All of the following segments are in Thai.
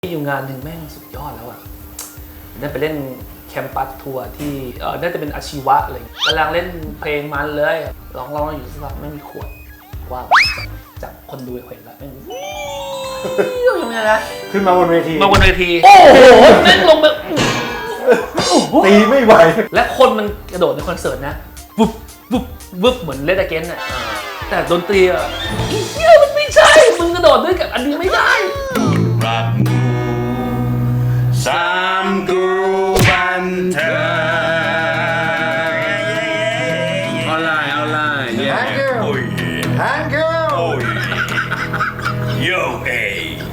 มีอยู่งานหนึ่งแม่งสุดยอดแล้วอ่ะนั่นไปเล่นแคมปัสทัวร์ที่น่าจะเป็นอาชีวะอะไรกำลังเล่นเพลงมันเลยร้องอยู่สักพักไม่มีขวดว่าจากคนดูเห็นแล้วแม่งยังไงนะขึ้นมาบนเวทีโอ้โหแม่งลงแบบตีไม่ไหวและคนมันกระโดดในคอนเสิร์ตนะวุบวุบวุบเหมือนเลดเกนน่ะแต่ดนตรีอ่ะอีเหี้ยมันไม่ใช่มึงกระโดดด้วยกับอันนี้ไม่ได้รักสามกรูบันเทิงเอาไลน์โอ้ยฮังเกิลโอ้ยโยเอ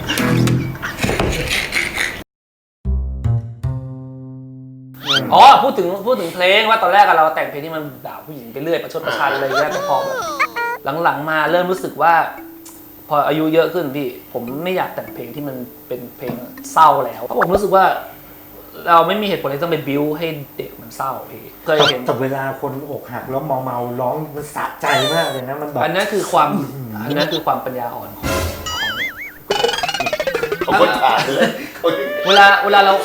พูดถึงเพลงว่าตอนแรกเราแต่งเพลงที่มันด่าผู้หญิงไปเรื่อยประชดประชันอะไรเงี้ยแต่พอแบบหลังๆมาเริ่มรู้สึกว่าพออายุเยอะขึ้นพี่ผมไม่อยากแต่งเพลงที่มันเป็นเพลงเศร้าแล้วเพราะผมรู้สึกว่าเราไม่มีเหตุผลที่ต้องไปบิ้วให้เด็กมันเศร้าพี่เคยเห็นแต่เวลาคนอกหักแล้วเมาร้องมันสะใจมากเลยนะมันแบบอันนั้นคือความปัญญาอ่อนของคนขาดเลยเวลาเรา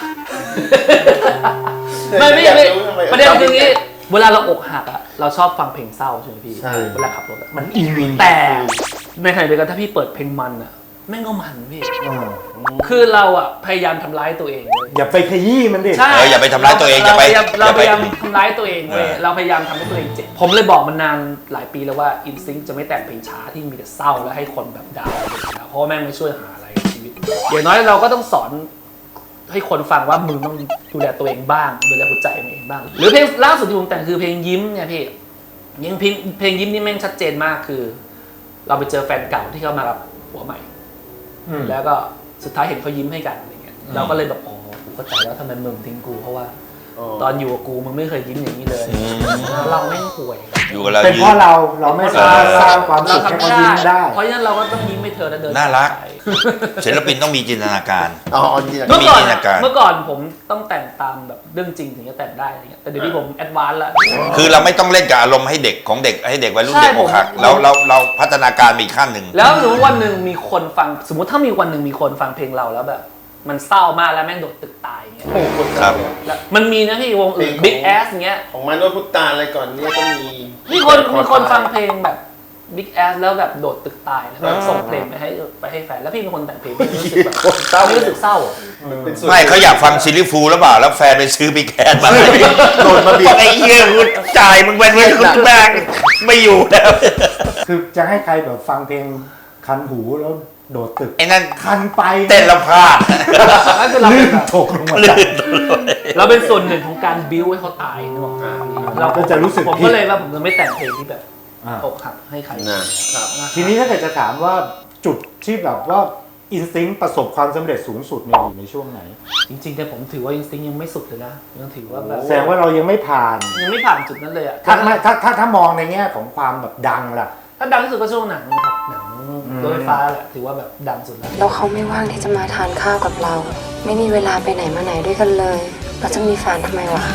ไม่ประเด็นคืองี้เวลาเราอกหักอ่ะเราชอบฟังเพลงเศร้าใช่ไหมพี่เวลาขับรถมันอีวินแต่ในขณะเดียวกันถ้าพี่เปิดเพลงมันอ่ะแม่งก็มันพี่คือเราอ่ะพยายามทำร้ายตัวเองเลยอย่าไปขยี้มันดิใช่อย่าไปทำร้ายตัวเองเราพยายามทำร้ายตัวเองเลยเราพยายามทำให้ตัวเองเจ็บผมเลยบอกมันนานหลายปีแล้วว่าอินซิงจะไม่แต่งเพลงช้าที่มีแต่เศร้าแล้วให้คนแบบดาวเพราะแม่งไม่ช่วยหาอะไรในชีวิตอย่างน้อยเราก็ต้องสอนให้คนฟังว่ามึงต้องดูแลตัวเองบ้างดูแลหัวใจตัวเองบ้างหรือเพลงล่าสุดที่ผมแต่งคือเพลงยิ้มเนี่ยพี่ยังเพลงยิ้มนี่แม่งชัดเจนมากคือเราไปเจอแฟนเก่าที่เขามารับผัวใหม่แล้วก็สุดท้ายเห็นเขายิ้มให้กันอะไรเงี้ยเราก็เลยแบบอ๋อกูเข้าใจแล้วทำไมมึงทิ้งกูเพราะว่าตอนอยู่กับกูมึงไม่เคยยิ้มอย่างนี้เลยเราแม่งป่วยอยู่กับเราเป็นเพราะเราไม่สามารถสร้างความสุขให้เขายิ้มได้เพราะฉะนั้นเราก็ต้องยิ้มให้เธอแล้วเดินน่ารักศิลปินต้องมีจินตนาการเมื่อก่อนผมต้องแต่งตามแบบเรื่องจริงถึงจะแต่งได้อะไรเงี้ยแต่เดี๋ยวนี้ผมแอดวานซ์แล้วคือเราไม่ต้องเล่นกับอารมณ์ให้เด็กของเด็กให้เด็กวัยรุ่นเด็กอกหักเราพัฒนาการไปอีกขั้นหนึ่งแล้วสมมติวันหนึ่งมีคนฟังสมมติถ้ามีวันหนึ่งมีคนฟังเพลงเราแล้วแบบมันเศร้ามากแล้วแม่งโดดตึกตายเงี้ยครับมันมีนะพี่วงอื่น Big Ass เงี้ยของมันโดนพุทธาอะไรก่อนเนี่ยก็มีคนฟังเพลงแบบ Big Ass แล้วแบบโดดตึกตายแล้วแบบส่งเพลงไปให้แฟนแล้วพี่เป็นคนแต่งเพลงไม่รู้สึกแบบไม่รู้สึกเศร้าไม่เขาอยากฟังซิลลี่ฟูลหรือเปล่าแล้วแฟนไปซื้อบิ๊กแอสมาโดนมาบีบไอ้เหี้ยกูจ่ายมึงเป็นเงินคุณแบงไม่อยู่แล้วคือจะให้ใครแบบฟังเพลงคันหูแล้วโดดตึกไอ้นั่นคันไปเต้นละพลาดลื่นตกลงมาเราเป็นส่วนหนึ่งของการบิ้วให้เขาตายนึกออกไหมเราก็จะรู้สึกผมก็เลยว่าผมจะไม่แต่งเพลงที่แบบอกหักให้ใครทีนี้ถ้าเกิดจะถามว่าจุดที่แบบว่าอินสติ้งประสบความสำเร็จสูงสุดเนี่ยอยู่ในช่วงไหนจริงๆแต่ผมถือว่าอินสติ้งยังไม่สุดเลยนะยังถือว่าแบบแสดงว่าเรายังไม่ผ่านจุดนั้นเลยอะถ้ามองในแง่ของความแบบดังล่ะถ้าดังที่สุดก็ช่วงหนังนะครับหนังรถไฟฟ้าแหละถือว่าแบบดังสุดแล้วเขาไม่ว่างที่จะมาทานข้าวกับเราไม่มีเวลาไปไหนมาไหนด้วยกันเลยเราจะมีแฟนทำไมวะ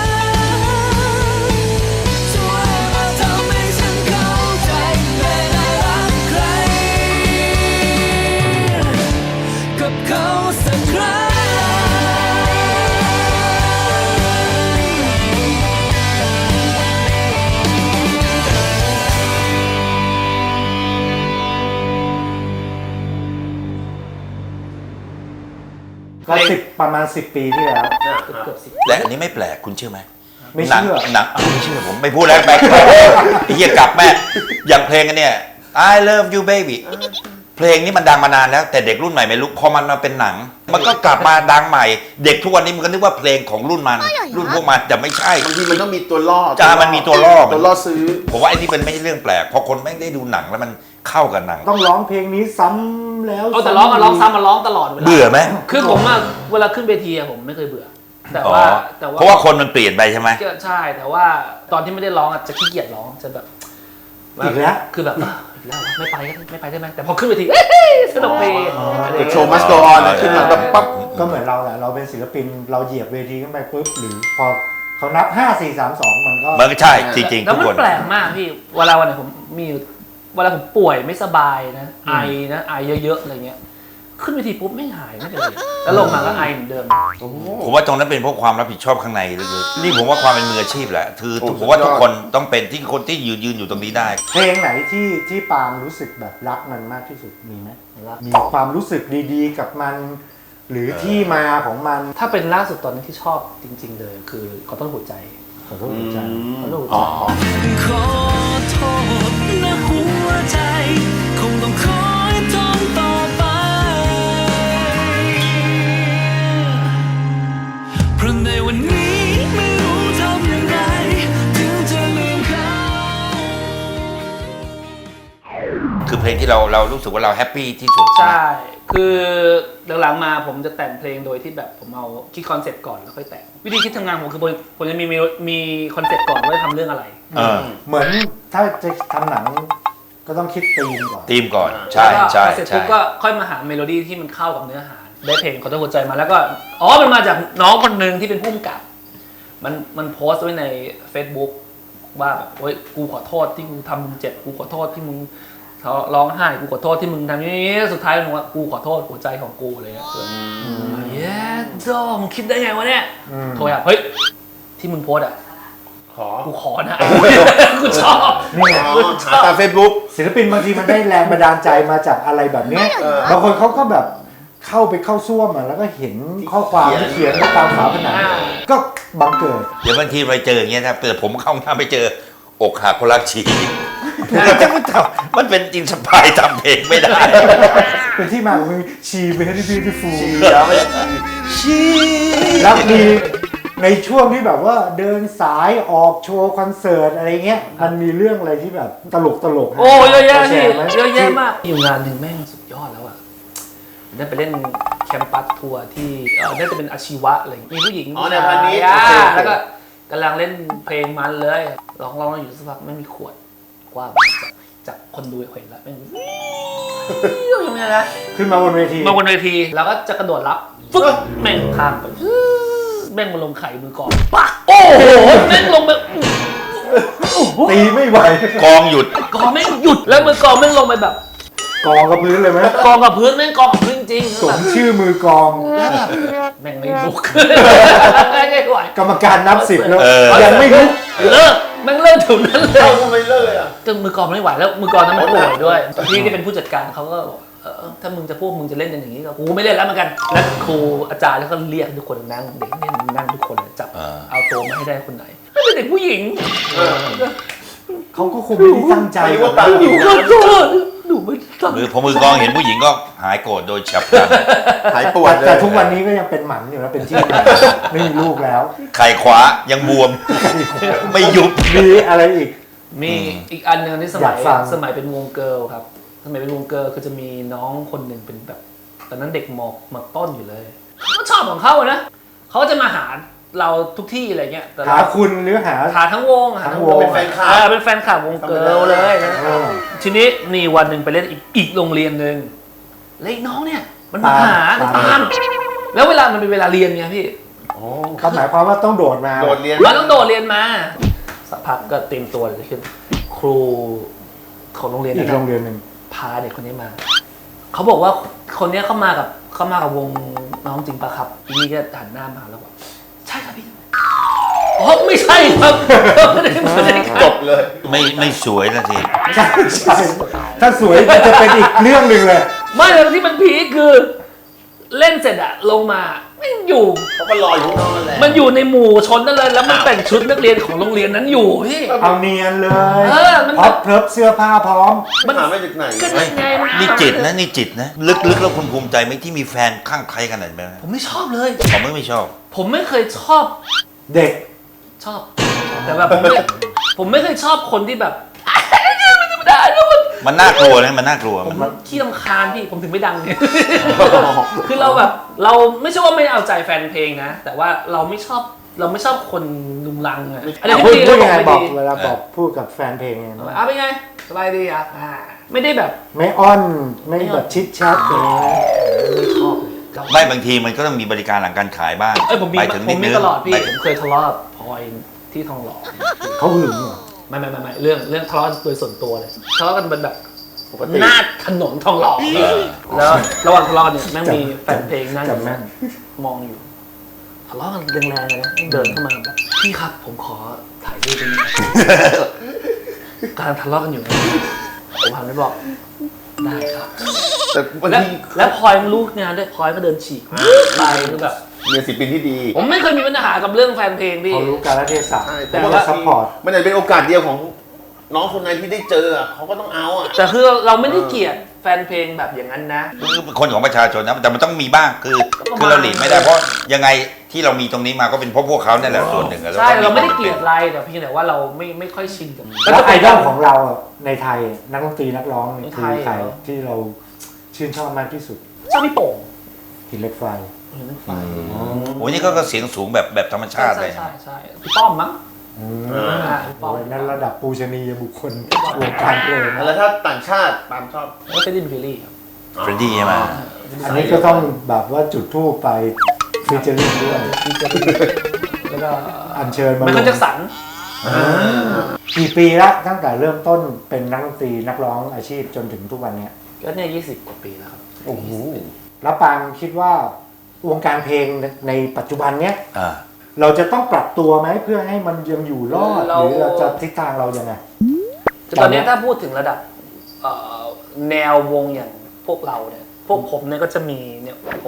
ก็ประมาณ10 ปีที่แล้วและอันนี้ไม่แปลกคุณเชื่อไหมไม่เชื่อหนังไม่เชื่อผมไม่พูดแล้วแปลกไอ้เหี้ยกลับแม่อย่างเพลงกันเนี่ย I love you baby เพลงนี้มันดังมานานแล้วแต่เด็กรุ่นใหม่ไม่รู้พอมันมาเป็นหนังมันก็กลับมาดังใหม่เด็กทุกวันนี้มันก็นึกว่าเพลงของรุ่นพวกมันแต่ไม่ใช่บางทีมันต้องมีตัวล่อมันมีตัวล่อซื้อผมว่าไอ้นี่เป็นไม่ใช่เรื่องแปลกพอคนแม่งได้ดูหนังแล้วมันเข้ากับหนังต้องร้องเพลงนี้ซ้ำแล้วแต่ร้องซ้ำมาร้องตลอดเวลาเบื่อไหมคือผมอะเวลาขึ้นเวทีผมไม่เคยเบื่อแต่ว่าเพราะว่าคนมันเปลี่ยนไปใช่ไหมใช่แต่ว่าตอนที่ไม่ได้ร้องจะขี้เกียจร้องจะแบบอีกแล้วคือแบบแล้วไม่ไปได้ไหมแต่พอขึ้นเวทีสนุกเพลงโชว์มัสโกออนขึ้นมาแบบปั๊บก็เหมือนเราแหละเราเป็นศิลปินเราเหยียบเวทีขึ้นไปปุ๊บหรือพอเขานับ5 4 3 2มันก็ใช่จริงๆแล้วมันแปลกมากพี่เวลาวันไหนผมมีเวลาผมป่วยไม่สบายนะไอเยอะๆอะไรเงี้ยขึ้นเวทีปุ๊บไม่หายไม่เป็นไรแล้วลงมาก็ไอเหมือนเดิมผมว่าตรงนั้นเป็นเพราะความรับผิดชอบข้างในลึกๆนี่ผมว่าความเป็นมืออาชีพแหละคือผมว่าทุกคนต้องเป็นที่คนที่ยืนอยู่ตรงนี้ได้เพลงไหนที่ปาล์มรู้สึกแบบรักมันมากที่สุดมีไหมมีความรู้สึกดีๆกับมัน หรือที่มาของมันถ้าเป็นล่าสุดตอนนี้ที่ชอบจริง ๆ เลยคือขอต้นหัวใจขอโทษหัวใจขอต้นหัวอ๋ใจอขอโทษนะหัวใจ คงต้องคอยทนต่อไป เพราะในวันนี้ไม่รู้ทำอย่างไร ถึงจะลืมเขาคือเพลงที่เรารู้สึกว่าเราแฮปปี้ที่สุดใช่ คือหลังๆมาผมจะแต่งเพลงโดยที่แบบผมเอาคิดคอนเซ็ปต์ก่อนแล้วค่อยแต่ง วิธีคิดทำงานผมคือผมจะมีคอนเซ็ปต์ก่อนว่าจะทำเรื่องอะไรเออเหมือนถ้าจะทำหนังก็ต้องคิดธีมก่อนทีมก่อนใช่แล้วก็ใช่เสร็จใช่ปุ๊บก็ค่อยมาหาเมโลดี้ที่มันเข้ากับเนื้อหา ได้เพลงขอต้นหัวใจมาแล้วก็มันมาจากน้องคนหนึ่งที่เป็นผู้กำกับมันโพสต์ไว้ใน Facebook ว่าแบบโอ๊ยกูขอโทษที่กูทำมึงเจ็บกูขอโทษที่มึงร้องไห้กูขอโทษที่มึงทำนี้สุดท้ายมึงว่ากูขอโทษหัวใจของกูอะไรเงี้ยเย้ดอมคิดได้ไงวะเนี่ยโทรอ่ะเฮ้ยที่มึงโพสต์อ่ะขอกูขอนะ กูชอบนี่ไงหาตาม Facebook ศิลปินบางทีมันได้แรงบันดาลใจมาจากอะไรแบบเนี้ยบางคนเขาก็แบบเข้าซ่วมแล้วก็เห็นข้อความที่เขียนตามฝาผนังก็บังเกิดเดี๋ยวบางทีไปเจออย่างเงี้ยถ้าเกิดผมเข้าห้องน้ำไปเจออกหักคนรักชีมันเป็นอินสปายทำเพลงไม่ได้เป็นที่มาของเพลง She Very Beautiful ชีแล้วมีในช่วงที่แบบว่าเดินสายออกโชว์คอนเสิร์ตอะไรเงี้ยมันมีเรื่องอะไรที่แบบตลกโอ้เยอะแยะแชพี่ร์ไหมเยอะแยะมากอยู่งานหนึ่งแม่งสุดยอดแล้วอ่ะได้ไปเล่นแคมปัสทัวร์ที่น่าจะเป็นอาชีวะอะไรอย่างเงี้ยมีผู้หญิงอ๋อในพันนี้อ่าโอเคแล้วก็กำลังเล่นเพลงมันเลยร้องอยู่สักพักไม่มีขวดกว้างจากคนดูเห็นแล้วแม่งยังไงนะขึ้นมาบนเวทีมาบนเวทีแล้วก็จะกระโดดรับฟึ๊บแม่งข้ามไปแม่งมาลงไข่มือก่อนปักโอ้โหแม่งลงไปตีไม่ไหวกองหยุดกองแม่งหยุดแล้วมือกองแม่งลงไปแบบกองกับพื้นเลยไหมกองกับพื้นแม่งกองกับพื้นจริงสมชื่อมือกองแม่งไม่ลุกไม่ไหวกรรมการนับ10แล้วเออยังไม่ลุกเลิกแม่งเลิกถึงนั้นเลยเอ้าทำไมเลิกเลยอ่ะจนมือกองไม่ไหวแล้วมือกองนั้นมันป่วยด้วยพี่ที่เป็นผู้จัดการเขาก็บอกถ้ามึงจะพูดมึงจะเล่นกันอย่างนี้ก็กูไม่เล่นแล้วเหมือนกันแล้วครูอาจารย์แล้วก็เรียกทุกคนนั่งเด็กเนี่ยนั่งทุกคนจับเอาตัวมาให้ได้คนไหนไม่เป็นเด็กผู้หญิงเขาก็คงไม่ได้ตั้งใจไม่รู้ว่าตังค์หนูขอโทษหนูไม่ตั้งพอมือกองเห็นผู้หญิงก็หายโกรธโดยฉับพลันหายปวดเลยแต่ทุกวันนี้ก็ยังเป็นหมันอยู่นะเป็นที่หมันไม่มีลูกแล้วไข่ขวายังบวม ไม่ยุบมีอะไรอีกมีอีกอันหนึงที่สอมัยาย กฟังสมัยเป็นวงเกิร์ลครับสมัยเป็นวงเกิร์ลคือจะมีน้องคนหนึ่งเป็นแบบตอนนั้นเด็กมต้นอยู่เลยเขาก็ชอบของเขาอะนะเขาก็จะมาหาเราทุกที่อะไรเงี้ยแต่หาคุณหรือหาหาทั้งวงหาทั้งวงเป็นแฟนคลับเป็นแฟนคลับวงเกิร์ลเลยนะเออทีนี้มีวันหนึ่งไปเล่นอีกโรงเรียนหนึ่งแล้วอีกน้องเนี่ยมันมาหาตามตามแล้วเวลามันเป็นเวลาเรียนไงพี่ก็หมายความว่าต้องโดดมาโดดเรียนมันต้องโดดเรียนมาสักพักก็เตรียมตัวเลยขึ้น ครูของโรงเรียนอีกนะโรงเรียนหนึ่งพาเด็กคนนี้มา เขาบอกว่าคนนี้เข้ามากับวงน้องจริงปะครับอีนี่ก็หันหน้ามาแล้วบอกใช่ครับพี่อ๋อไม่ใช่ครับไม่ได้ครับจบเลยไม่สวยนะสิใช่ใช่ถ้าสวยมันจะเป็นอีกเรื่องหนึ่งเลยไม่เลยที่มันพีคคือ เล่นเสร็จอะลงมาไม่อยู่เขาก็รออยู่ข้างนอกนั่นแหละมันอยู่ในหมู่ชนนั่นเลยแล้วมันแต่งชุดนักเรียนของโรงเรียนนั้นอยู่พี่เอาเนียนเลยเออมันพร็อพเพิบเสื้อผ้าพร้อมมันหามาจากไหนก็เฮ้ยไงมันี่จิตนะนี่จิตนะ ลึกๆแล้วคุณภูมิใจไหมที่มีแฟนข้างใครขนาดนั้นผมไม่ชอบเลยผมไม่ชอบผมไม่เคยชอบเด็กชอบ แต่แบบผมไม่เคยชอบคนที่แบบมันธรรมดาเนี่ยมันน่ากลัวนะมันน่ากลัวผมขี้รำคาญพี่ผมถึงไม่ดังเนี่ย คือเราแบบเราไม่ใช่ว่าไม่เอาใจแฟนเพลงนะ แต่ว่าเราไม่ชอบคนลุงลังอะอะไรพูดที่ดีพูเราดบยัอกงไงไม่บอกดีเวลาบอกพูดกับแฟนเพลงไงเป็นไงสบายดีอ่ะไม่ได้แบบไม่อ้อนไม่แบบชิดชัดอย่างนี้ไม่ชอบเลยไม่บางทีมันก็ต้องมีบริการหลังการขายบ้างเอ้ยผมมีไปถึงผนิมดมีนึงตลอดพี่ไปผมเคยทะเลาะกับพลอยที่ทองหล่อเขาหึงเหรอไม่เรื่องทะเลาะกันโดยส่วนตัวเลยทะเลาะกันเป็นแบบปกติหน้าถนนทองหล่อแล้วระหว่างทะเลาะกันเนี่ยแม่งมีแฟนเพลงนั่งจำแม่นมองอยู่ทะเลาะกันแรงๆเลยนะเดินเข้ามาแบบพี่ครับผมขอถ่ายรูปด้วยนะ กำลังทะเลาะกันอยู่นะผมหันไปบอกได้ครับแต่บางและทีและพลอยมันรู้งานด้วยพลอยก็เดินฉีกไปคือแบบมีศิลปินที่ดีผมไม่เคยมีปัญหากับเรื่องแฟนเพลงพี่เขารู้การละเทศะใช่แต่แต่ว่าว่าซัพพอร์ตมันอาจจะเป็นโอกาสเดียวของน้องคนนั้นที่ได้เจออะเขาก็ต้องเอาอ่ะแต่คือเราไม่ได้เกลียดแฟนเพลงแบบอย่างนั้นนะคือเป็นคนของประชาชนนะแต่มันต้องมีบ้างคือก็ประมาณคือเราหลีกไม่ได้เพราะยังไงที่เรามีตรงนี้มาก็เป็นเพราะพวกเขาเนี่ยแหละส่วนหนึ่งอะใช่เราไม่ได้เกลียดอะไรแต่เพียงแต่ว่าเราไม่ค่อยชินกับมันแล้วไอดอลของเราอะในไทยนักดนตรีนักร้องเนี่ยในคืไทอย ใครเหรอที่เราชื่นชอบมากที่สุดชอบพี่โป่งหินเหล็กไฟเห็นไหมไฟโอ้ยนี่ก็เสียงสูงแบบธรรมชาติเลยใช่พี่ป้อมมั้ง พี่ป้อมโอ้ยนั่นระดับปูชนียบุคคลวงการเพลงนะแล้วถ้าต่างชาติปาล์มชอบแล้วเฟรดดี้ฟิลลี่ครับเฟรดดี้ใช่ไหมอันนี้ก็ต้องแบบว่าจุดทูปไปฟิชเจอริ่งด้วยแล้วก็อัญเชิญมาไมเคิลแจ็คสันกี่ปีละตั้งแต่เริ่มต้นเป็นนักดนตรีนักร้องอาชีพจนถึงทุกวันเนี้ยก็เนี่ย20 กว่าปีแล้วครับโอ้โหแล้วปางคิดว่าวงการเพลงในปัจจุบันเนี้ยอ่าเราจะต้องปรับตัวไหมเพื่อให้มันยังอยู่รอดหรือเราจะทิศทางเรายังไงแต่ตอนนี้ถ้าพูดถึงระดับแนววงอย่างพวกเราเนี่ยพวกผมเนี่ยก็จะมีเนี่ยผม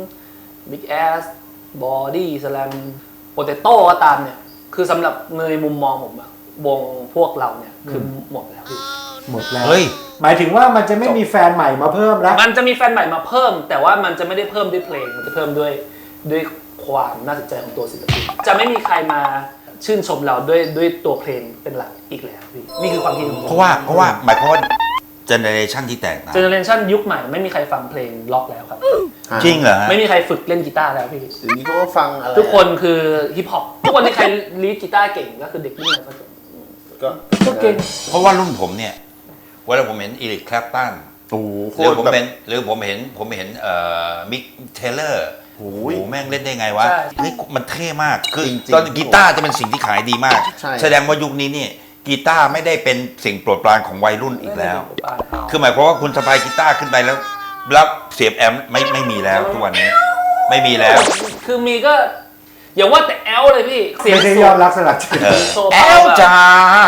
Big Ass Body Slam Potato ก็ตามเนี่ยคือสำหรับในมุมมองผมอะวงพวกเราเนี่ยคือหมดแล้วพี่หมดแล้วเฮ้ยหมายถึงว่ามันจะไม่มีแฟนใหม่มาเพิ่มแล้วมันจะมีแฟนใหม่มาเพิ่ม แต่ว่ามันจะไม่ได้เพิ่มด้วยเพลงมันจะเพิ่มด้วยความน่าสนใจของตัวศิลปินจะไม่มีใครมาชื่นชมเราด้วยตัวเพลงเป็นหลักอีกแล้วพี่นี่คือความคิดของผมเพราะว่าหมายความว่าเจเนเรชันที่แตกต่างเจเนอเรชันยุคใหม่ไม่มีใครฟังเพลงล็อกแล้วครับจริงเหรอฮะไม่มีใครฝึกเล่นกีตาร์แล้วพี่ถึงนี้เขาก็ฟังอะไรทุกคนคือฮิปฮอปทุกคนที่ใครลีดกีตาร์เก่งก็คือเด็กรุ่นใหม่ก็เก่งเพราะว่ารุ่นผมเนี่ยเวลาผมเห็นอีริคแคลปตันโอ้โหโคหรือตรผมแบบเป็นหรือผมเห็นมิกเทเลอร์โอ้โอ้ยโหแม่งเล่นได้ไงวะใช่เฮ้ยมันเท่มากคือจริงๆตอนกีตาร์จะเป็นสิ่งที่ขายดีมากใช่แสดงว่ายุคนี้นี่กีตาร์ไม่ได้เป็นสิ่งโปรดปรานของวัยรุ่นอีกแล้ว คือหมายความว่าคุณสะพายกีตาร์ขึ้นไปแล้วเสียบแอมป์ไม่มีแล้วทุกวันนี้ไม่มีแล้วคือมีก็อย่าว่าแต่แอลเลยพี่เสียงไม่ใช่สูยอง ดรักสลักใจโชว์แอพาวลจ้า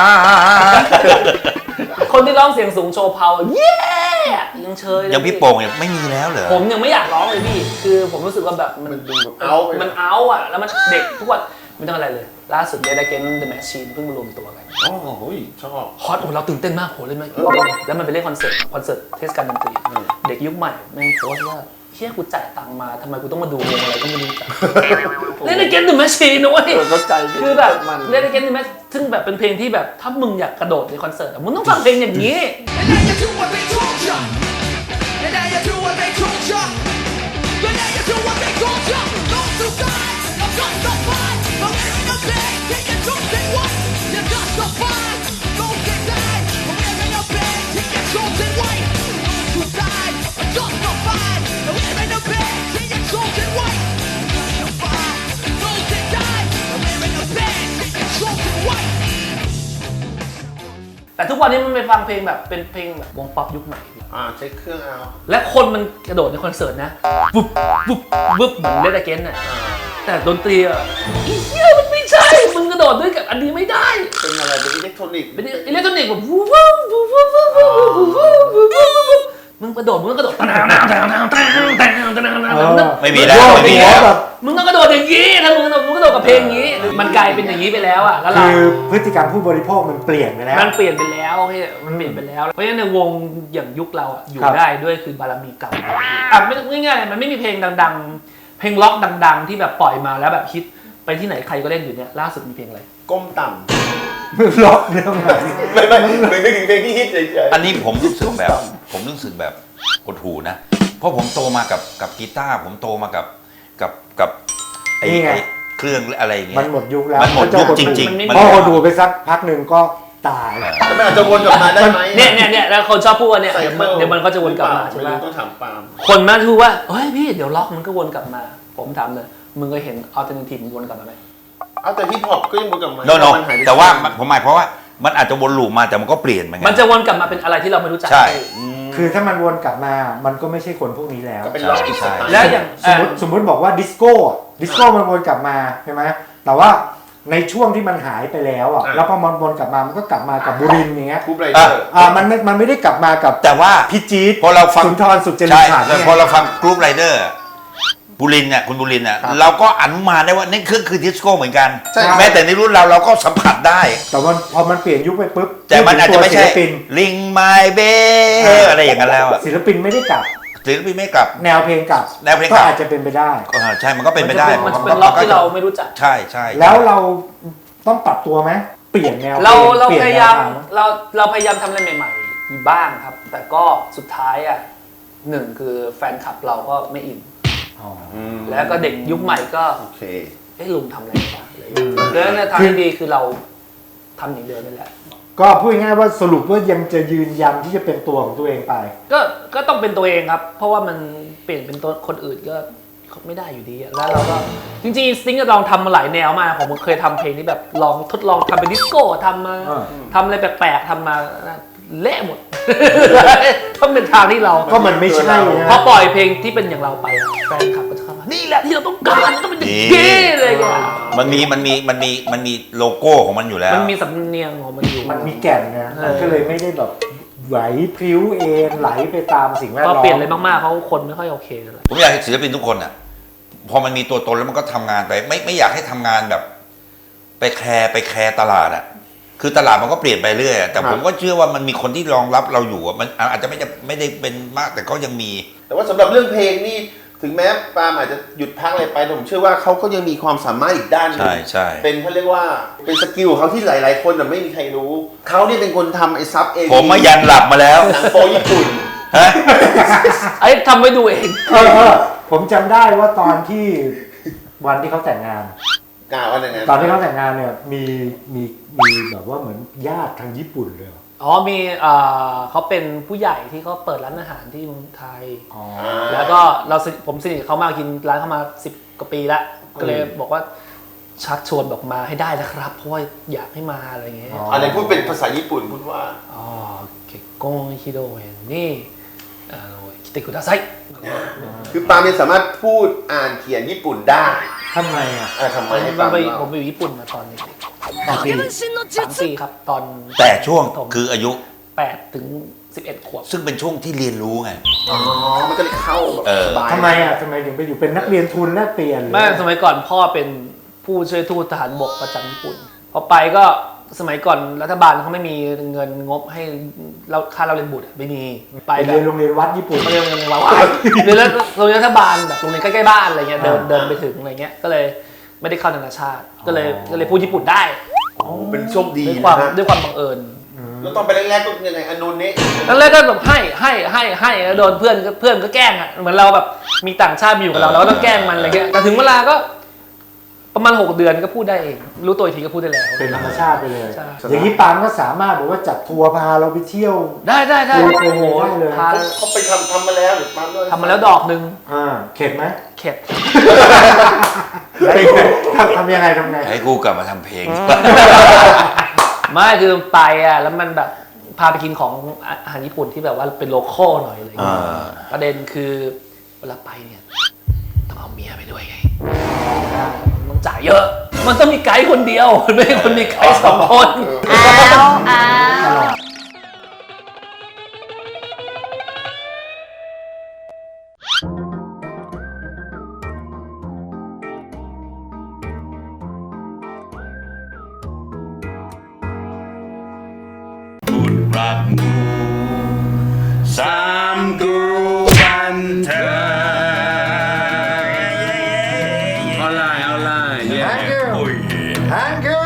คนที่ร้องเสียงสูงโชว์พาวเย้ยังเชยเลยยังพี่โป่งยังไม่มีแล้วเหรอผมยังไม่อยากร้องเลยพี่ คือผมรู้สึกว่าแบบมันมันดูแบบเอาไปมันเอาอ่ะแล้วมันเด็กทุกวันไม่ต้องอะไรเลย ล่าสุดเดย์เกนเดอะแมชชีนเพิ่งมารวมตัวกันอ๋อโอ้ยชอบฮอตโอ้เราตื่นเต้นมากโหเล่นไหมแล้วมันไปเล่นคอนเสิร์ตเทศกาลดนตรีเด็กยุคใหม่แม่งโพสต์ว่าเชี่ยกูจ่ายตังค์มาทำไมกูต้องมาดูวงอะไรก็ไม่รู้จักเล่นเกนเดอะแมชชีนนะเว้ยเข้าใจคือแบบเล่นเกนเดอะแมชซึ่งแบบเป็นเพลงที่แบบถ้ามึงอยากกระโดดในคอนเสิร์ตอะมึงต้องฟังเพลงอย่างนี้ แต่ทุกวันนี้มันไปฟังเพลงแบบเป็นเพลงแบบวงป๊อปยุคใหม่ใช้เครื่องเอาและคนมันกระโดดในคอนเสิร์ตนะวุบวุบวุบเหมือนเล่นเกนน่ะแต่ดนตรีอ่ะอีเหี้ยมันไม่ใช่มึงกระโดดด้วยกับอันนี้ไม่ได้เป็นอะไรเป็นอิเล็กทรอนิกส์เป็นอิเล็กทรอนิกส์แบบวุบวุบวุบวุบวุบวุบวุบวุบวุบวุบมึงกระโดดมึงก็กระโดดไม่มีแล้วไม่มีแล้วแบบมึงต้องกระโดดอย่างนี้ถ้ามึงกระโดดกับเพลงอย่างนี้ มันกลายเป็นอย่างนี้ไปแล้วอ่ะแล้วเราคือพฤติกรรมผู้บริโภคมันเปลี่ยนไปแล้วมันเปลี่ยนไปแล้วพี่มันเปลี่ยนไปแล้ว เพราะฉะนั้นในวงอย่างยุคเราอะอยู่ครับได้ด้วยคือบารมีเก่าไม่ง่ายๆมันไม่มีเพลงดังๆ เพลงล็อกดังๆ ที่แบบปล่อยมาแล้วแบบฮิตไปที่ไหนใครก็เล่นอยู่เนี่ยล่าสุดมีเพลงอะไรก้มต่มึงล็อกเรื่องไหนำไม่นึกถึงเพลงที่ฮิตเฉยอันนี้ผมรู้สึกแบบหดหูนะ เพราะผมโตมากับกีตาร์ผมโตมากับไอ้นี่ไงไอ้เครื่องอะไรอย่างเงี้มันยหมดยุคแล้วมันหมดยุคจริงมันไม่ๆพอคนดูไปสักพักหนึ่งก็ตายๆแต่มันอาจจะวนกลับมาได้ไหมเนี่ยแล้วคนชอบพูดว่าเนี่ยใส่เดี๋ยวมันก็จะวนกลับมาใช่ไหมต้องถามปาล์มคนมาพูดว่าเฮ้ยพี่เดี๋ยวล็อกมันก็วนกลับมา ผมถามเลยมึงเคยเห็นอัลเทอร์เนทีฟมันวนกลับมาไหมเอาแต่ฮิปฮอปก็ยังวนกลับมาโนมันหายไปแต่ว่าผมหมายเพราะว่ามันอาจจะวนลูปมาแต่มันก็เปลี่ยนเหมือนกัมันจะวนกลับมาเป็นอะไรที่เราไม่รู้จักใช่คือถ้ามันวนกลับมามันก็ไม่ใช่คนพวกนี้แล้วก็เป็นล็อกอีกสไตล์แล้วอย่างสมมติบอกว่าดิสโก้มันวนกลับมาใช่ไหมแต่ว่าในช่วงที่มันหายไปแล้วอ่ะแล้วพอมันวนกลับมามันก็กลับมากับบุรินทร์อย่างเงี้ยคูปไรเดอร์มันไม่ได้กลับมากับแต่ว่าพี่จี๊ดพอเราฟังสุนทรสุจริตใช่ขันธ์แล้วเนี่ยพอเราฟังกรุ๊ปไรเดอร์บุรินทร์เนี่ยคุณบุรินทร์เนี่ยเราก็อนุมานได้ว่านี่คือดิสโก้เหมือนกันใช่แม้แต่ในรุ่นเราก็สัมผัสได้แต่ว่าพอมันเปลี่ยนยุคไปปุ๊บแต่มันอาจจะไม่ใช่ศิลปินลิงไมเบอะไรอย่างนั้นแล้วอะศิลปินไม่ได้กลับศิลปินไม่กลับแนวเพลงกลับแนวเพลงกก็ลับอาจจะเป็นไปได้ใช่มันก็เป็นไปได้มันจะเป็นล็อกที่เราไม่รู้จักใช่ใช่แล้วเราต้องปรับตัวไหมเปลี่ยนแนวเราปลี่พนยายามแนวทงเราพยายามทำอะไรใหม่ๆอยู่บ้างครับ แต่ก็สุดท้ายอ่ะหนึ่งคือแฟนคลับเราก็ไม่อินอ๋อแล้วก็เด็กยุคใหม่ก็โอเคลุงทำอะไรบ้างอะไรอย่างเงี้ยแล้วในทางที่ดีคือเราทำอย่างเดิมนี่แหละก็พูดง่ายๆว่าสรุปว่ายังจะยืนยันที่จะเป็นตัวของตัวเองไปก็ต้องเป็นตัวเองครับ เพราะว่ามันเปลี่ยนเป็นตัวคนอื่นก็ไม่ได้อยู่ดีอะแล้วเราก็จริงๆสติ๊งก็ลองทำมาหลายแนวมากผมเคยทำเพลงที่แบบลองทดลองทำเป็นดิสโก้ทำมาอ่าทำอะไรแปลกๆทำมาเละหมด ต้องเป็นทางที่เราก็มันไม่ใช่นะพอปล่อยเพลงที่เป็นอย่างเราไปอะแฟนคลับก็จะเข้ามานี่แหละที่เราต้องการต้องเป็นอย่างนี้เลยอะมันมีโลโก้ของมันอยู่แล้วมันมีสำเนียงของมันอยู่มันมีแก่นนะมันก็เลยไม่ได้แบบไหวพริ้วเองไหลไปตามสิ่งแวดพอล้อมเปลี่ยนอะไรมากๆเขาคนไม่ค่อยโอเคเลยผมอยากให้ศิลปินทุกคนอ่ะพอมันมีตัวตนแล้วมันก็ทำงานไปไม่อยากให้ทำงานแบบ ไปแคร์ตลาดอ่ะคือตลาดมันก็เปลี่ยนไปเรื่อยอะแต่ผมก็เชื่อว่ามันมีคนที่รองรับเราอยู่อะมันอาจจะไม่ได้เป็นมากแต่ก็ยังมีแต่ว่าสำหรับเรื่องเพลงนี่ถึงแม้ปาล์มอาจจะหยุดพักอะไรไปแต่ผมเชื่อว่าเขาก็ยังมีความสามารถอีกด้านหนึงใช่เป็นเขาเรียกว่าเป็นสกิลของเขาที่หลาย ๆ คนแต่ไม่มีใครรู้เขาเนี่ยเป็นคนทำไอ้ซับเองผมมายันหลับมาแล้วหนังโปญี่ปุ่นฮะไอ้ทำไว้ดูเองผมจำได้ว่าตอนที่วันที่เขาแต่งงานกล่าวว่าอย่างนั้นตอนที่เขาแต่งงานเนี่ยมีแบบว่าเหมือนญาติทางญี่ปุ่นเลยเหรออ๋อมีเขาเป็นผู้ใหญ่ที่เขาเปิดร้านอาหารที่เมืองไทยอ๋อแล้วก็ผมสนิทกับเขามากกินร้านเขามา10 กว่าปีแล้วก็เลยบอกว่าชักชวนบอกมาให้ได้นะครับ เพราะว่าอยากให้มาอะไรอย่างเงี้ยอะไรพูดเป็นภาษาญี่ปุ่นพูดว่าอ๋อเก็กโกงฮิโดเอนนี่คิเตคุดาไซคือปาล์มเนี่ยสามารถพูดอ่านเขียนญี่ปุ่นได้ทำไมอ่ะทำไมให้ปาล์มผเล่ามไปอยู่ญี่ปุ่นมาตอนเด็กปี 3 ปีครับตอนแต่ช่วงคืออายุ 8 ถึง 11 ขวบซึ่งเป็นช่วงที่เรียนรู้ไงอ๋อมันก็เลยเข้าแบบเออสบายทำไมอ่ะทำไมถึงไปอยู่เป็นนักเรียนทุนแลกเปลี่ยนหรือแม่สมัยก่อนพ่อเป็นผู้ช่วยทูตทหารบกประจำญี่ปุ่นพอไปก็สมัยก่อนรัฐบาลเขาไม่มีเงินงบให้เราค่าเราเรียนบุตรไม่มีไปไปแบเรียนบโรงเรียนวัดญี่ปุ่นเรียนว้าวเรียนแล้วโรงเรียนรัฐบาลแบบโรงเรียนใกล้ๆบ้านอะไรเงี้ยเดินไปถึงอะไรเงี้ยก็เลยไม่ได้เข้านานาชาติ ก็เลยพูดญี่ปุ่นได้เป็นโชคดีด้วยนะความฮะด้วยความบังเอิญแล้วตอนไปแรกๆก็ยังไงอนุเนะแล้วแรกก็แบบให้แล้วโดนเพื่อนก็แกล้งอ่ะเหมือนเราแบบมีต่างชาติมาอยู่กับเราเราก็ต้องแกล้งมันอะไรเงี้ยแต่ถึงเวลาก็ประมาณ6 เดือนก็พูดได้เองรู้ตัวอีกทีก็พูดได้แล้วเป็นธรรมชาติไปเลยใช่อย่างนี้ปาล์มก็สามารถบอกว่าจัดทัวร์พาเราไปเที่ยวได้โอ้โหได้เลยพาเขาไปทำมาแล้วหรือปาล์มด้วยทำมาแล้วดอกหนึ่งเข็ดไหมเข็ดทำยังไงทำไงให้กูกลับมาทำเพลงไม่คือไปอ่ะแล้วมันแบบพาไปกินของอาหารญี่ปุ่นที่แบบว่าเป็นโลคอลหน่อยอะไรอย่างเงี้ยอ่าประเด็นคือเวลาไปเนี่ยต้องเอาเมียไปด้วยไงต้องจ่ายเยอะ มันต้องมีไกด์คนเดียวไม่ใช่คนมีไกด์2 คนอ้าวคุณรักหมู่3 กรูบันเทิงออนไลน์ Thank you โอ้ย Thank you